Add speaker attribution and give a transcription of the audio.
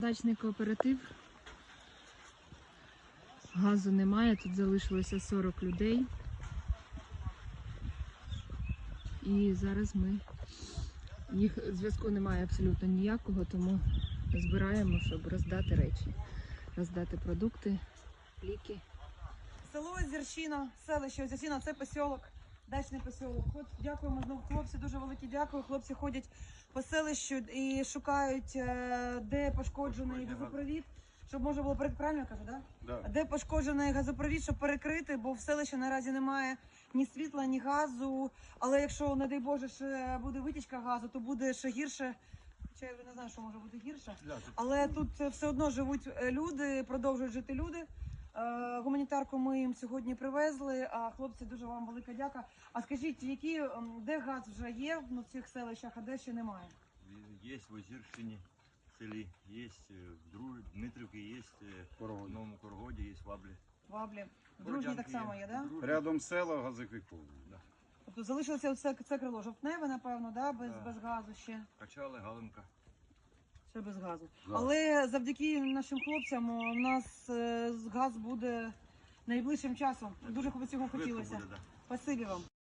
Speaker 1: Дачний кооператив. Газу немає, тут залишилося 40 людей. І зараз їх зв'язку немає абсолютно ніякого, тому збираємо, щоб роздати речі, роздати продукти, ліки.
Speaker 2: Село Озерщина, селище Озерщина, це посілок, дачний посілок. От дякуємо знову хлопці, дуже велике дякую. Хлопці ходять по селищу і шукають, де пошкоджений газопровід, щоб можна було перекрити, правильно я кажу, да?
Speaker 3: Да.
Speaker 2: Де пошкоджений газопровід, щоб перекрити, бо в селищі наразі немає ні світла, ні газу. Але якщо, не дай Боже, ще буде витічка газу, то буде ще гірше. Хоча я вже не знаю, що може бути гірше. Але тут все одно живуть люди, продовжують жити люди. Гуманітарку ми їм сьогодні привезли, а хлопці, дуже вам велика дяка. А скажіть, де газ вже є в цих селищах, а де ще немає?
Speaker 4: Є в Озерщині, в селі, є в Дмитрівці, є в Новому Коргоді, є в Ваблі.
Speaker 2: Ваблі. В Дружній так само є, так? Да?
Speaker 3: Рядом села газовиків.
Speaker 4: Да.
Speaker 2: Тобто залишилося це крило жовтневе, напевно, да? Без газу ще.
Speaker 4: Качали, Галинка.
Speaker 2: Ще без газу.
Speaker 3: Да.
Speaker 2: Але завдяки нашим хлопцям у нас газ буде найближчим часом. Дуже б цього хотілося.
Speaker 4: Швидко буде, да.
Speaker 2: Спасибі вам.